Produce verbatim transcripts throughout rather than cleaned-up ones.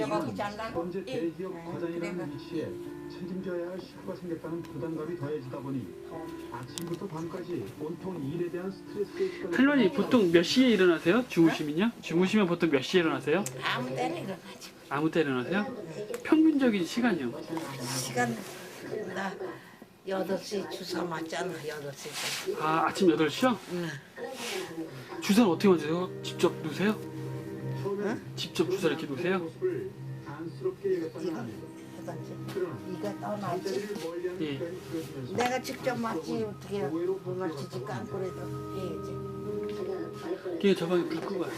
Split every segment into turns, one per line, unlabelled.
소고기 잘라고.
현재 대기업 과장이라는 위치에 책임져야 할 식구가 생겼다는 부담감이 더해지다 보니 아침부터 밤까지 온통 일에 대한 스트레스에 시달리는
할머니 보통 몇 시에 일어나세요? 주무시면요? 주무시면 보통 몇 시에 일어나세요?
아무 때나 일어나지.
아무 때 일어나세요? 평균적인 시간이요?
시간 나 여덟 시 주사 맞잖아. 여덟 시.
아 아침 여덟 시요?
응.
주사는 어떻게 맞으세요? 직접 누세요?
처음엔
직접 주사 이렇게 누세요?
모습을 안쓰럽게 여겼다는
이거
아내.
해봤지.
그러나
이거 떠나지.
잠자리를 멀리하는
예.
시간이 길어지면서
내가 직접 맞지 어떻게 물 맞추지 깜그래도 해야지.
그게 저 방에 불 끄고 와요.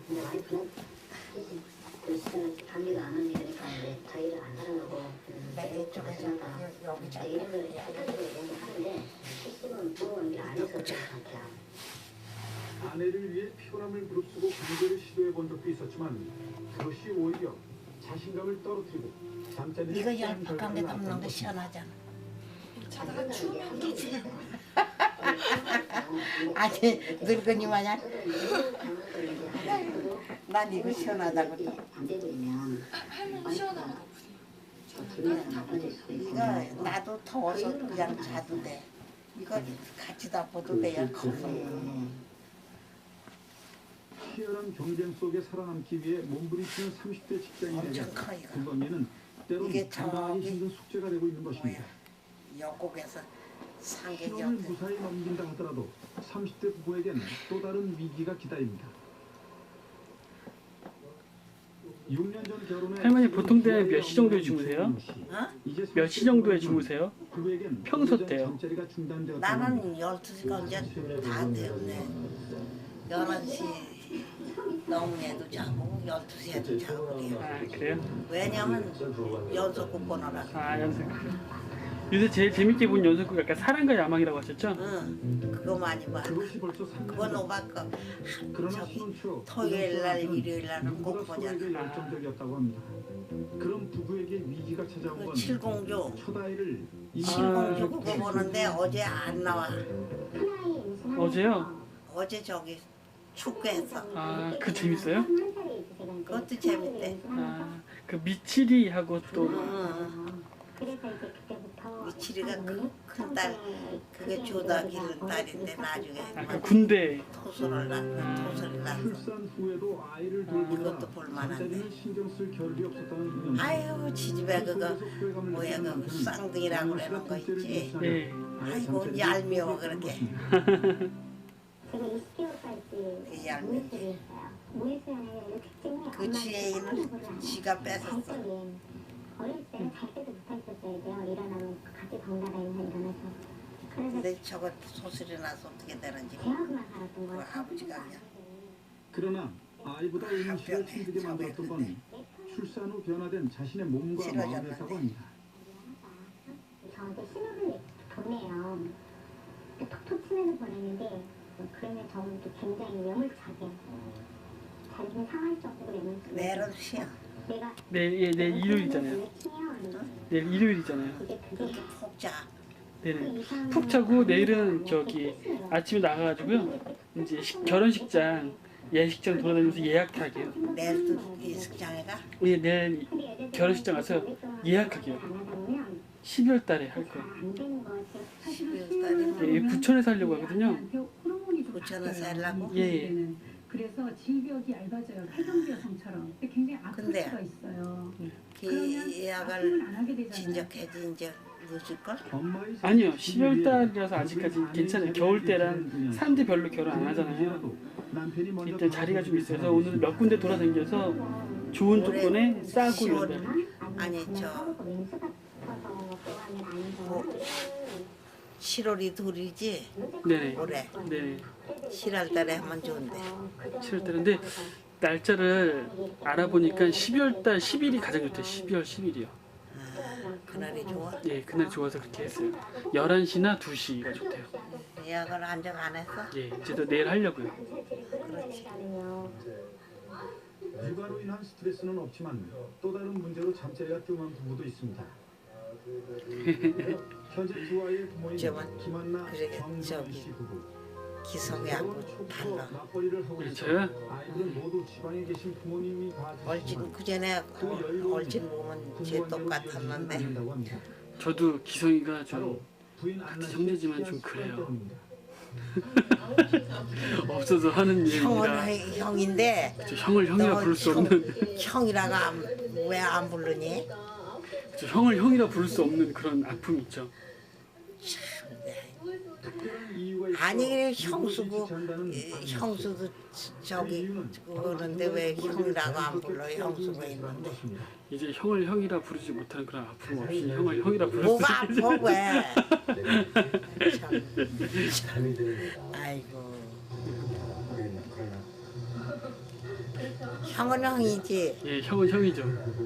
관리가 안 하는 일이니까 자기를 안 사랑하고
내가 이쪽에서 여기 자.
이름을 하는데 실습은 부모님이 안 해서 그렇지 않대요.
아내를 위해 피곤함을 무릅쓰고 강제를 시도해 본 적도 있었지만 그것이 오히려 자신감을 떨어뜨리고 잠자리를
이거
깨는
열박한 게
결과를
담는
낳았다는
거
것입니다.
시원하잖아. 아니 늙은이 마냥. 난 이거 시원하다고 또.
안 돼버리면
할머니 시원하고
이거 나도 더워서 그냥 자도 돼. 이거 같이 덮어도 돼요.
치열한 경쟁 속에 살아남기 위해 몸부림치는 삼십 대 직장인에게
엄청 커, 이거.
건강에는 때론
이게
감당하기
저기
힘든 숙제가 되고 있는 것입니다.
영국에서 상객이
시험을
없대.
무사히 넘긴다 하더라도 삼십 대 부부에겐 또 다른 위기가 기다립니다. 육 년 전 결혼해
할머니 보통 때 몇 시 정도에 주무세요?
어?
몇 시 정도에 주무세요?
부부에겐
평소
오래전
때요?
잠자리가 중단되었다고 합니다.
나는 열두 시가 이제 다 되었네. 열한 시 넘게도 자고 열두 시에도 자고 그래요.
아 그래요?
왜냐면 연속 보느라.
아 연습. 요새 제일 재밌게 본 연습극 약간 사랑과 야망이라고 하셨죠?
응, 그거 많이 봐.
그것이 벌써 삼 년
그거
전.
노바꺼
그러나
저기
신혼 초
토요일 날,
부부
일요일 날은 꼭
누구보다
보잖아.
서로에게 열정적이었다고 합니다. 그런 부부에게 위기가 찾아온
그
건
칠공조,
첫 아이를
칠공조 그거 보는데 어제 안 나와.
어제요?
어제 저기 축구했어.
아 그 재밌어요?
그것도 재밌대.
아그 미치리하고 또
응. 미치리가 큰 딸, 그게 조다 기른 딸인데 나중에
아 그 군대.
토소를 낳고 토소를 낳고.
출산 후에도 아이를 돌보느라
그것도 볼만한데.
잠자리는 신경 쓸 겨를이 없었다는 윤영.
아유 지집에 그거 뭐야 그 쌍둥이라고 그러는 거 있지.
예.
아이고 얄미워 그렇게.
제가 이십 개월까지
얄미워.
모의수양의 특징이
그 지혜인을 지가 뺏었어.
어릴 때는 잘 때도 못했었어야 돼요. 일어나면 같이 번갈아가면서 일어나서. 그래서
근데 저거 소설이 나서 어떻게 되는지
대학만 살았던
그
거예요.
아버지가 그냥
그러나 아이보다 음식을 힘들게 만들었던 건 출산 후 변화된 자신의 몸과
싫어졌는데.
마음이었다고 합니다.
저한테 신호를 보내요. 톡톡 치면서 보내는데 그러면 저는 또 굉장히 매몰차게 자기는 상할 정도로 매몰차게
내일은 쉬어.
내가
내일 예, 내일 일요일이잖아요. 내일 일요일이잖아요.
그게 그게
푹 자.
네네. 푹 자고 내일은 저기 아침에 나가가지고요. 이제 식, 결혼식장 예식장 돌아다니면서 예약하게요.
내일도 이식장에 가.
예, 내일 결혼식장 가서 예약하게요. 십이월 달에 할 거예요.
십이월 달이면
예, 부천에서 하려고 하거든요.
부천에서 하려고?
예, 예.
그래서 질벽이 얇아져요. 폐경부 여성처럼. 근데 굉장히 아플
근데
수가 있어요.
그 예약을 진작해지 이제 늦을걸?
엄마의
아니요, 십이월 달이라서 아직까지 괜찮아요. 겨울 때란 사람들이 별로 결혼 안 하잖아요.
남편이 먼저
이때 자리가 좀 있어서 오늘 몇 군데 돌아다녀서 좋은 조건에 싸고 이런다.
아니 저 뭐, 칠월이 둘이지
네네.
올해
네네.
칠월 달에 하면 좋은데.
칠월 달인데 날짜를 알아보니까 십이월 달 십 일이 가장 좋대요. 십이월 십 일이요.
아, 그날이 좋아?
예, 그날 좋아서 그렇게 했어요. 열한 시나 두 시가 좋대요.
예약을 한정 안 했어?
예, 이제도 내일 하려고요.
그렇지.
육아로 인한 스트레스는 없지만 또 다른 문제로 잠자리가 뜸한 부부도 있습니다. 현재 두 아이의 부모인
저만
김한나
그러게,
정정희
저기.
씨 부부.
기성이하고 달라.
맞벌이를 하고
네,
있어.
저요?
아이들은 모두 지방에 계신 부모님이 다
얼진 그 전에 얼진 보면 쟤 똑같았는데
한다고 합니다.
저도 기성이가 좀
바로 부인 안나 씨의
형제지만 좀
씨앗
그래요.
때문입니다.
없어서 하는
형은
일입니다.
형인데
저 형을 형이라
너
부를 수
형-
없는
형이라고 왜 안 부르니?
저 형을 형이라 부를 수 없는 그런 아픔이 있죠.
특별한 이유가 있어
아니 그래
이곳이
형수고
지지한다는
이-
아니었어요.
형수도 저기 그러는데 왜 형이라고 안 불러? 형수가 있는데
이제 형을 형이라 부르지 못하는 그런 아픔 없이 형을 형이라 부를 수
뭐가
있게
아파 왜? 참, 참. 아이고 형은 형이지
예, 형은 형이죠.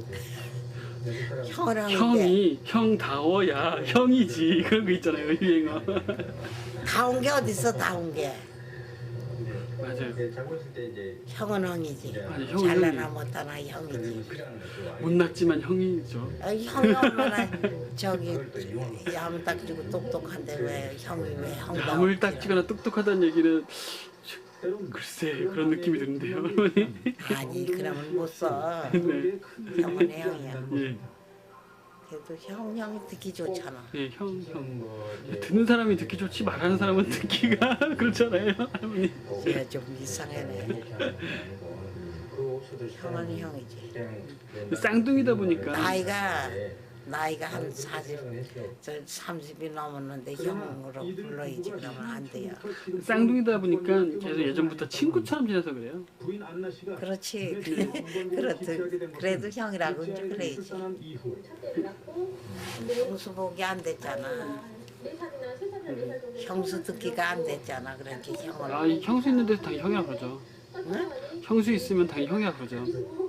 형은 형인데
형이 형다워야 형이지 그런 거 있잖아요 유행어.
다운 게 어딨어 다운 게
맞아요.
형은 형이지
아니, 형은
잘나나 못하나 형이지
못났지만 형이죠.
아, 형이 얼마나 저기 야무딱지고 똑똑한데 왜 형이 왜 형다
야물 딱지거나 똑똑하다는 얘기는 글쎄 그런 느낌이 드는데요. 어머니.
아니 그러면 못써
네.
형은 형이야
예,
그래도 형 형이 듣기 좋잖아
예, 형, 형. 듣는 사람이 듣기 좋지 말하는 사람은 듣기가 그렇잖아요, 할머니.
얘좀 이상하네 형은 형이지
쌍둥이다 보니까
나이가 나이가 한 사십, 저 삼십이 넘었는데 형으로 불러야지 그러면 안 돼요.
쌍둥이다 보니까 계속 예전부터 친구처럼 지내서 그래요.
부인 안나 씨가
그렇지. 그래도 그래도 형이라고 이제 그래야지. 형수복이 안 됐잖아. 형수 듣기가 안 됐잖아. 그러니까 형을.
아, 이 형수 있는 데서 당연히 형이라 그러죠.
응?
형수 있으면 당연히 형이라 그러죠.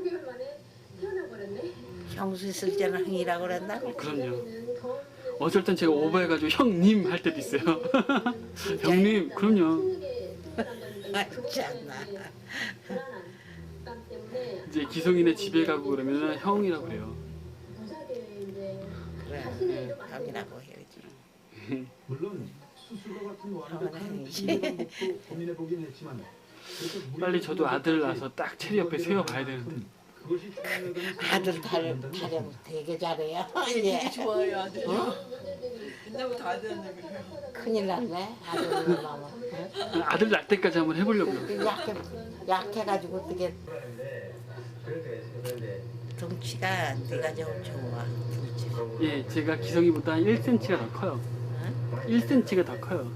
형수 있을 때는 형이라고 그랬다고.
그럼요. 어쩔 땐 제가 오버해가지고 형님 할 때도 있어요. 형님, 그럼요.
아, 참나.
이제 기성이네 집에 가고 그러면 형이라고 그래요.
그래, 형이라고 해야지.
물론 수술과 같은 완벽한
형이지.
건강법도 고민해보긴 했지만
빨리 저도 아들 낳아서 딱 체리 옆에 세워봐야 되는데.
그것이 중요하다는
아들 타령, 타령 되게 잘해요. 예.
좋아요 아들.
어?
옛날부터 아들한테 그래요.
큰일 났네. 아들 나면.
아들 낳을 때까지 한번 해보려고요.
약해, 약해가지고 어떻게 덩치가 네가 좀 좋아. 덩치가.
예, 제가 기성이보다 일 센티미터가 더 커요.
응?
일 센티미터가 더 커요.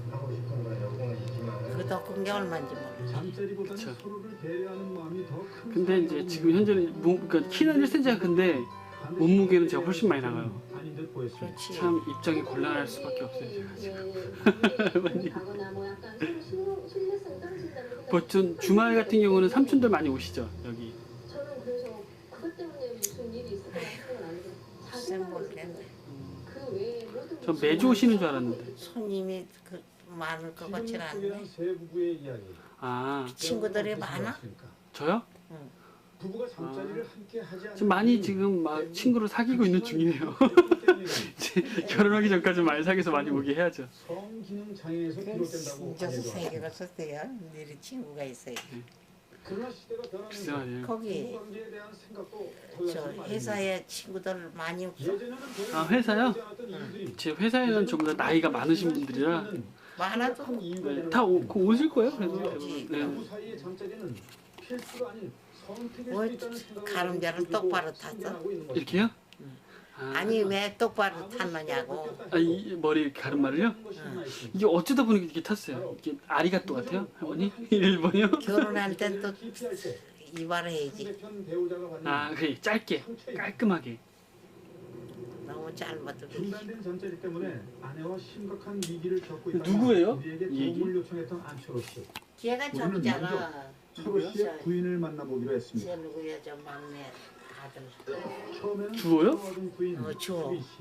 그더 큰 게 얼마인지 모르.
잠자리보다는
그쵸.
서로를 배려하는 마음이 더큰
근데 이제 지금 현재는 몸, 그러니까 키는 일 센티미터가 큰데 몸무게는 제가 훨씬 많이 나가요.
아닌 듯 보였습니다.
그렇지.
참 입장이 곤란할 수밖에 없어요 제가 지금. 보통 주말 같은 경우는 삼촌들 많이 오시죠 여기.
저는 그래서 그것 때문에 무슨 일이 있을 거라 생각은 안 해요.
글쎄 모르겠네.
그 외에 모든
전 매주 오시는 줄 알았는데.
손님이 그 많을 것 같진 않네.
소개한 세 부부의 이야기.
아,
친구들이 많아?
저요?
부부가 잠자리를 함께 하지 않는
지금 많이 지금 막 친구를 사귀고 있는 중이네요. 이제 결혼하기 전까지 많이 사귀어서 많이 오게 해야죠.
성기능 장애에서 비롯된다고
진짜
알려져
세계가 썼대요. 너희 친구가 있어요.
그러나 시대가
글쎄
변하면서
말이에요.
거기
부부 관계에 대한 생각도
저
달라지고
회사에 친구들 많이 없어.
예전에는 별
아, 회사요?
보지 않았던 이유들이
제 회사에는 전부 다 나이가 많으신 분들이라
많아도
큰 이유가
네,
되는
다 오, 그 오실 거예요. 그래도
그렇지.
대부분.
부부
네.
사이의 잠자리는 필수가 아닌 선택일
뭘
수 있다는 생각을
가름자를
가지고
똑바로 탔어?
실천하고 있는 것입니다.
이렇게요? 아,
아니 왜 똑바로 탔느냐고.
아, 이 머리 가르마를요? 이게 어쩌다 보니 이렇게 탔어요. 이게 아리가또 같아요, 할머니? 일본이요?
결혼할 땐 또 이발해야지.
상대편 배우자가 받는
아, 그래 짧게, 깔끔하게.
너무 짧아도 그렇지.
중단된 잠자리 때문에 아내와 심각한 위기를 겪고 있다.
누구예요?
우리에게
이 얘기?
도움을 요청했던 안철호 씨.
걔가
우리는
저기잖아.
철호 씨의 부인을 만나보기로 했습니다.
쟤 누구야 저 막내 아들.
처음에는
주워요?
좋아하던 부인
어, 주워.
수리 씨.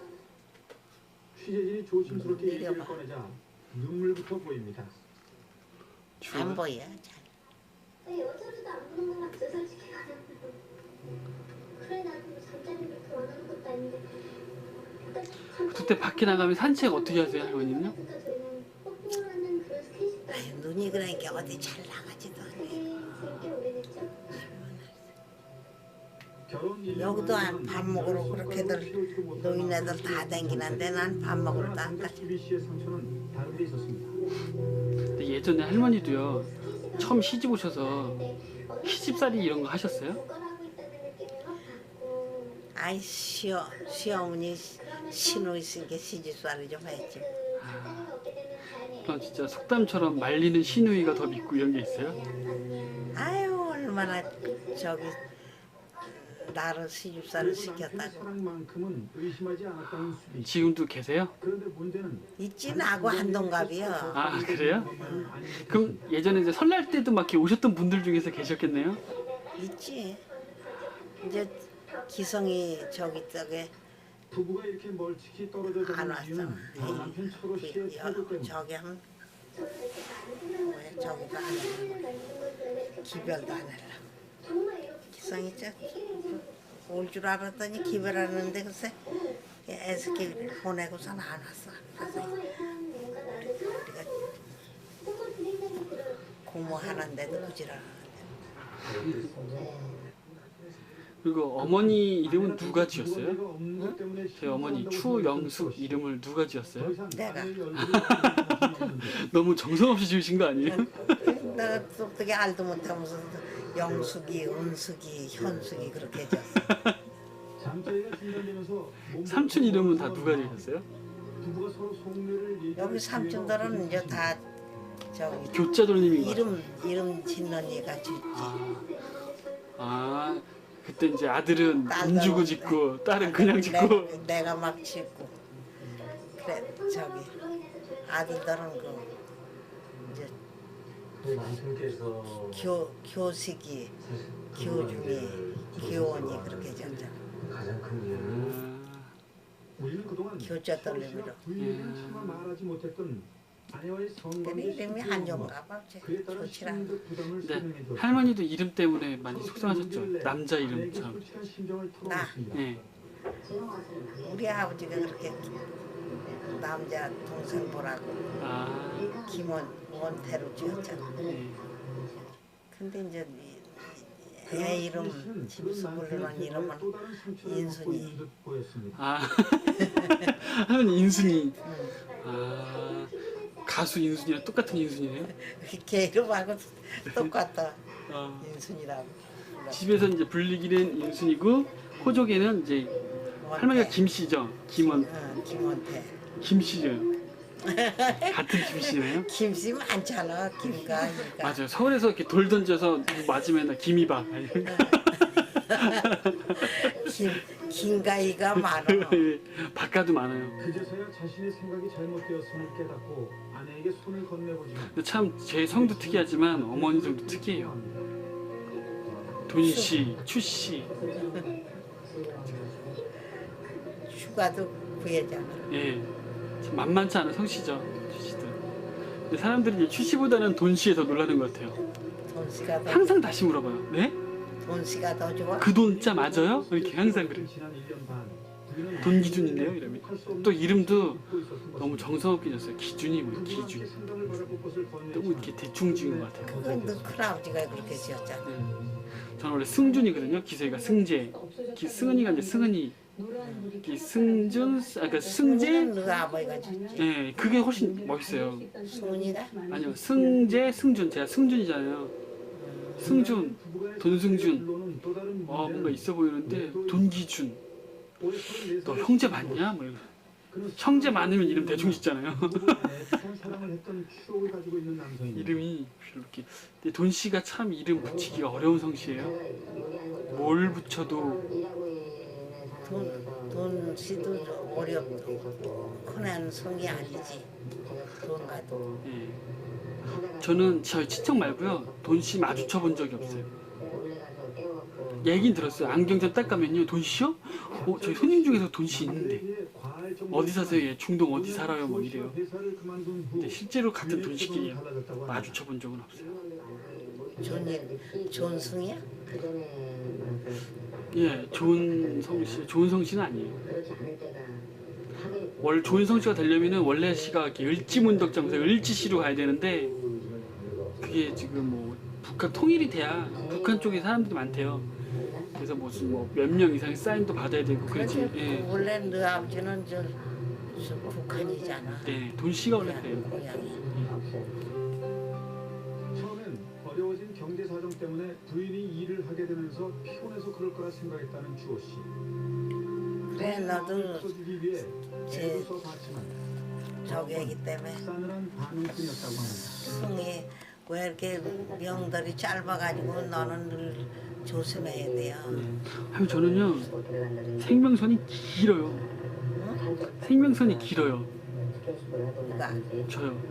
취재진이 조심스럽게
음,
얘기를
내려봐.
꺼내자 눈물부터 보입니다.
안 보여. 잘.
여자로도 안 보는 것 같아 솔직히 가장. 그래 나도 뭐 잠자리를 그렇게 원하는 것도 아닌데.
그때 밖에 나가면 산책 어떻게 하세요, 할머니는요?
그러니까 저희는 뽀뽀하는 그런 스테이지도
아유, 눈이 어디 잘 나가지도 않네.
꽤 오래됐죠?
결혼 일 년
여기도
만에
안- 밥 먹으러 그렇게들 노인네들 다 댕기는데 난 밥 먹으러 안 가지.
수비 씨의 상처는 다른 데 있었습니다.
근데 예전에 할머니도요 처음 시집 오셔서 시집살이 이런 거 하셨어요?
거라고 있다는 느낌을 막 받고
아이 시어 시어머니 신우 있으니까 시집살이 좀 했지.
자녀가 없게 되면 다행이에요.
그럼 진짜 속담처럼 말리는 시누이가 더 믿고 이런 게 있어요?
아유 얼마나 저기 나를 시집살을
그래도 남편의
시켰다고.
사랑만큼은 의심하지 않았다는 수비 씨.
지금도 계세요?
그런데 문제는
있지 나고 한동갑이요.
아 그래요? 그럼 예전에 이제 설날 때도 막 이렇게 오셨던 분들 중에서 계셨겠네요?
있지. 이제 기성이 저기 저게
부부가 이렇게 멀찍이 떨어져
안
가는
왔어.
이유는 바로 남편 철호 씨의
그,
태도
여,
때문에
저기 하면 왜 저기도 안 해. 기별도 안 해라. 기성이 올 줄 알았더니 기별하는데 글쎄 애스키 보내고서는 안 왔어. 그래서 우리가 고모하는데도 부지런하는데.
그리고 어머니 이름은 누가 지었어요?
내가 없는 것 때문에
제 어머니 추영숙 이름을 누가 지었어요?
내가.
너무 정성없이 지으신 거 아니에요?
내가 어떻게 알도 못하면서 영숙이, 은숙이, 현숙이 그렇게 해줬어.
잠자리가 중단되면서
삼촌 이름은 다 누가 지으셨어요?
부부가 서로 속내를 얘기할
여기 삼촌들은 이제 다 저기
교자돌님인 거 같아요.
이름 이름 짓는 얘가 짓지.
아 그때 이제 아들은
딸들은
돈 주고 짓고 딸은 그냥 짓고
내가, 내가 막 짓고 그래 저기 아들들은 그 이제
남편께서
교 교식이 교중이 교원이 그렇게 졌잖아.
가장 큰 이유는
우리는 그동안
교자돌림으로.
부인에게는 차마 말하지 못했던 아내와의
근데
성관계
이름이 한정가 봐.
그에 따른
좋지라.
심리적 부담을
근데
설명해줬고
할머니도 이름 때문에 많이 속상하셨죠? 남자
아내에게
이름처럼.
솔직한 심정을
나.
털어놓습니다.
예.
우리 아버지가 그렇게 남자 동생 보라고
아
김원 원태로 지었잖아.
예.
근데 이제 이- 애 이름 집에서 부르는 이름은 인순이.
아 할머니 인순이. 아 가수 인순이랑 똑같은 인순이네요.
걔 이름하고 똑같다.
아,
인순이라고.
집에서 이제 불리기는 인순이고 호족에는 이제 할머니가 김씨죠. 김원
어, 김원태.
김씨죠. 같은 김씨네요.
김씨 많잖아. 김가. 김가.
맞아요. 서울에서 이렇게 돌 던져서 누구 맞으면 나 김이박.
김 김가이가 많아.
박가도 많아요.
그제서야 자신의 생각이 잘못되었음을 깨닫고 아내에게 손을 건네보지만
근데 참 제 성도 특이하지만 어머니 성도 특이해요. 돈씨, 추씨.
휴가도 구해잖아.
예. 참 만만치 않은 성씨죠. 추씨들. 근데 사람들이 이제 추씨보다는 돈씨에 더 놀라는 것 같아요.
돈씨가 더
항상 다시 물어봐요. 네?
돈씨가 더 좋아.
그 돈자 맞아요? 이렇게 항상 그래.
지난 일 년 반 부인은
돈 기준이네요. 이러면. 또 이름도
잊고 있었던
너무
것입니다.
정성없게 졌어요. 기준이 뭐
부부와 함께
기준.
생각을 바라볼 것을
너무
건네지만
이렇게 대충 지은 것 같아요.
그건 너 큰아버지가 그렇게 지었잖아.
네. 저는 원래 승준이거든요. 기세가 승재. 기, 승은이가 이제 승은이. 이 승준, 아 그러니까 승재.
승재는 너 아버지가 줬지.
예, 그게 훨씬 멋있어요.
승훈이가?
아니요, 승재, 승준. 제가 승준이잖아요. 승준, 돈승준.
또 다른
어 뭔가
문제는
있어 보이는데 돈기준.
올해 서른네
너
살의
형제 많냐? 뭐 이런.
그는
형제 많으면 이름 대충 짓잖아요.
부부의 애틋한 사랑을 했던 추억을 가지고 있는 남성입니다.
이름이 이렇게. 근데 돈 씨가 참 이름 붙이기가 어려운 성씨예요. 뭘 붙여도
돈, 돈 씨도 좀 어렵고 흔한 성이 아니지. 돈 가도.
예. 저는 저희 친척 말고요 돈 씨 마주쳐 본 적이 없어요. 얘긴 들었어요. 안경점 딱 가면요 돈 씨요? 어 저희 손님 중에서 돈 씨 있는데 어디 사세요? 얘 중동 어디 살아요? 뭐 이래요. 근데 실제로 같은 돈 씨끼리 마주쳐 본 적은 없어요.
존이 존승이야?
예, 좋은 성씨, 좋은 성씨는 아니에요. 월 좋은 성씨가 되려면은 원래 씨가 이렇게 을지문덕장에서 을지시로 가야 되는데 그게 지금 뭐 북한 통일이 돼야 북한 쪽에 사람들이 많대요. 그래서 무슨 뭐 몇 명 이상의 사인도 받아야 되고 그렇지.
그렇지.
예.
원래 너 아버지는 저, 저 북한이잖아.
네, 돈 씨가 원래 그래요.
고향이.
처음엔 어려워진 경제 사정 때문에 부인이 일을 하게 되면서 피곤해서 그럴 거라 생각했다는 주호 씨.
그래 너도
풀어주기 위해
제
애도 써봤지만
저기 애기 때문에
싸늘한 반응뿐이었다고 합니다.
승이 왜 이렇게 명들이 짧아가지고 너는 늘 조심해야 돼요.
하면 저는요 생명선이 길어요. 생명선이 길어요.
누가?
저요.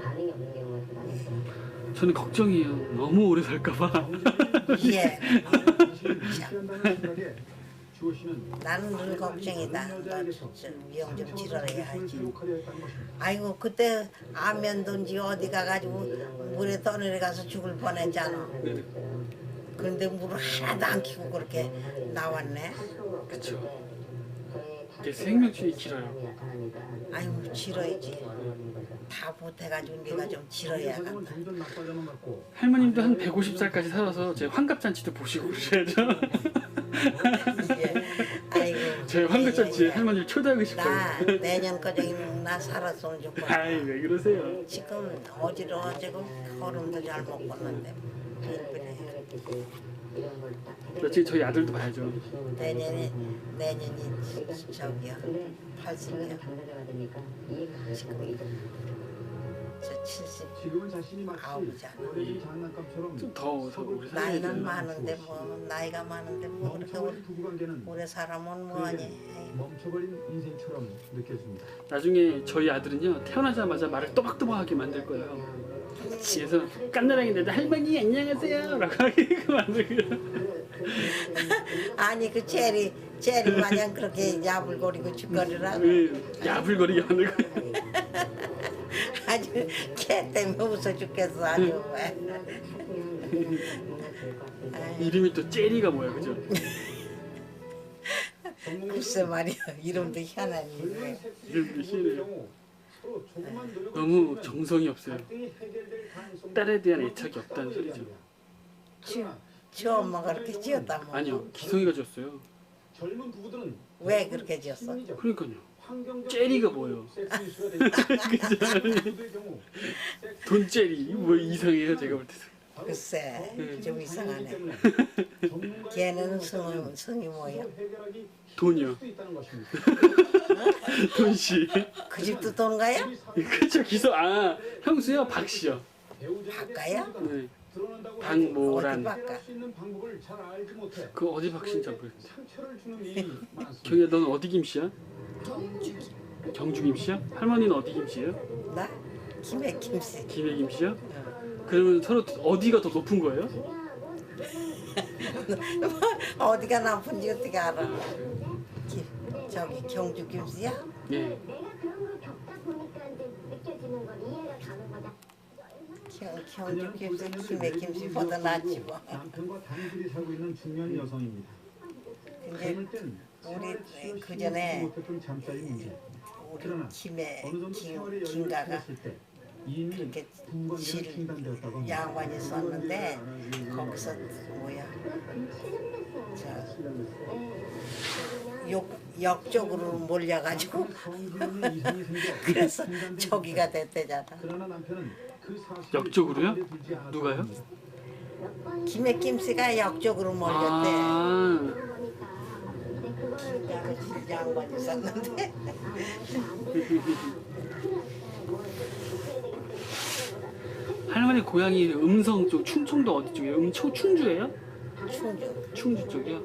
저는 걱정이에요. 너무 오래 살까봐.
예.
무시한다는 생각에 주호 씨는
나는 늘 걱정이다. 너좀 치러야 하지.
행복하려 했다는 것입니다.
아이고 그때 안면도인지 어디 가가지고 물에 떠내려 가서 죽을 뻔했잖아. 그런데 물을 하나도 안 키고 그렇게 나왔네.
그쵸. 이게 생명줄이 길어요.
아이고 지러야지. 다 못해가지고 네가 좀 지러야겠다.
사정은 점점 나빠져만 갔고
할머님도 한 백오십 살까지 살아서 제 환갑잔치도 보시고 그러셔야죠.
예. 아이고.
저희 환갑잔치에
예, 예.
할머니를 초대하고 싶어요.
나 내년까지 나 살았으면 좋겠어.
아이 왜 그러세요?
지금 어지러워지고 걸음도 잘 못 걷는데 그래.
며칠 저희 아들도 봐야죠.
내년에 내년이 저기요 팔십이요. 지금 저 칠십
지금은 자신이 마치
아우잖아.
어린 장난감처럼
좀 더 오래 살아야
나이는
돼요.
많은데 뭐 나이가 많은데 뭐 그렇게 오래,
멈춰버린 부부관계는
오래 살아면 뭐하니.
그에겐 멈춰버린 인생처럼 느껴집니다.
나중에 저희 아들은요 태어나자마자 말을 또박또박하게 만들 거예요. 그래서 깐나랑이인데 할머니 안녕하세요 라고 하게 만들고요.
아니 그 체리 체리 마냥 그렇게 야불거리고 죽거리라고.
네, 야불거리게 만들고.
아주 걔 때문에 웃어 죽겠어 아주.
이름이 또 제리가 뭐야 그죠?
글쎄 말이야 이름도 희한하니.
이름도 희한해요. 너무 정성이 없어요. 딸에 대한 애착이 없다는 소리죠.
지, 지 엄마가 그렇게 지었다 뭐.
아니요 기성이가 줬어요.
젊은 부부들은
왜 그렇게 지었어?
그러니까요. 제리가 뭐예요? 돈제리 뭐 이상해요 제가 볼 때도.
글쎄 좀 이상하네. 걔는 성이, 성이 뭐야?
돈이요. 돈씨.
그 집도 돈가요?
그쵸 기성 아 형수요 박씨요.
바꿔요?
네. 박모란.
어디 바꿔?
그 어디 박씨인지 잘 모르겠어요. 경희야 너는 어디 김씨야? 경주 김씨야? 할머니는 어디 김씨예요?
나? 김해 김씨.
김해 김씨야? 그러면 서로 어디가 더 높은 거예요?
어디가 나쁜지 어떻게 알아? 기, 저기 경주 김씨야?
예.
내가 그런 걸 겪다 보니까 이제 느껴지는 건 이해가 가는 거다.
경, 경주 김씨 김해 김씨보다 낫지 뭐.
남편과 단둘이 살고 있는 중년 여성입니다.
근데
젊을 땐
우리 그 전에
못했던 잠자리 문제.
우리
그러나
김해
어느 정도
김,
생활의 여유를
김가가
찾았을 때 이미
그렇게
부부관계는
질
중단되었다고 합니다.
양반이 썼는데 거기서 뭐야 저욕 역쪽으로 몰려가지고
성기는 이상이 생겨
그래서
중단된
저기가 됐대잖아.
그러나 남편은 그 사실을
역적으로요?
가만히 두지 않았다고
누가요?
합니다.
김해 김씨가 역쪽으로 몰렸대.
아
질 양반이 썼는데
할머니 고향이 음성 쪽 충청도 어디 쪽이에요? 음청 충주예요?
충주
충주 쪽이요?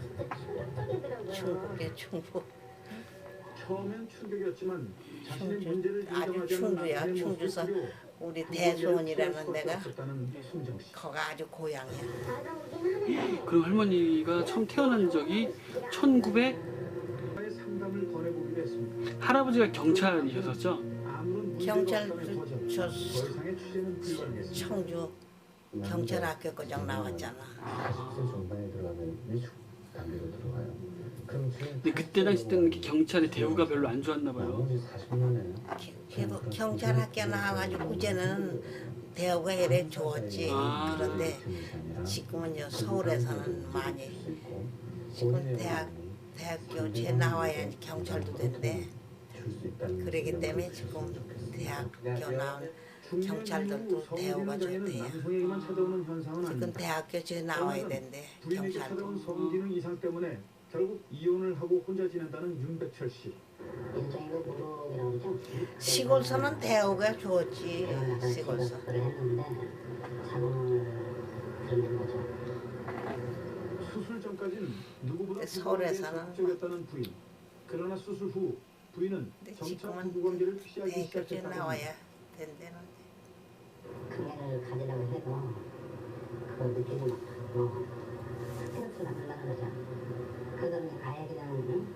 충북에 충북.
처음엔 충격이었지만 자신의
충주.
문제를
아주
인정하지 않는
충주야.
남편의
충주서
모습을
우리
부부관계를
대소원이라는
피할 수밖에
데가
없었다는 순정 씨.
거가 아주 고향이야.
그럼 할머니가 처음 태어난 적이 천구백
나의 상담을 권해보기로 했습니다.
할아버지가 경찰이셨었죠?
아무런 문제가
경찰
없다는 거죠.
저
더 이상의 취재는 불가능했습니다.
청주 경찰학교 거장 나왔잖아.
사십 세 중반에 들어가면 위축 단계로 들어가요. 그럼 지금
근데 그때 당시 때는 이렇게 경찰의 대우가 별로 안 좋았나 봐요.
나머지 사십 년에
그래도 경찰학교 나와가지고 이제는 대우가 이래 좋았지.
아.
그런데 지금은요 서울에서는 많이 지금 대학 대학교 제 나와야 경찰도 된대. 그러기 때문에 지금 대학교 나온 경찰들도 대우가 좋대요.
남성에게만 찾아오는 현상은
지금
아닙니다.
대학교 제 나와야 된대.
부인에게 찾아온
경찰도.
성기능 이상 때문에 결국 이혼을 하고 혼자 지낸다는 윤백철 씨.
일종의 그 노동이라고 그러죠.
시골서는 대우가 좋지. 시골서.
그걸 했는데 자궁을 들는 거죠.
수술 전까지는 누구보다
서울에서는
적극적이었다는 부인. 그러나 수술 후 부인은
근데
점차
지금은
부부관계를 피하기
대학교 제
시작했다고 합니다.
나와야 된대는데.
그애를 가지려고 해도 그걸 느끼지 못하고 스트레스를 받으려고 그러죠. 그거는 아예 그냥 응?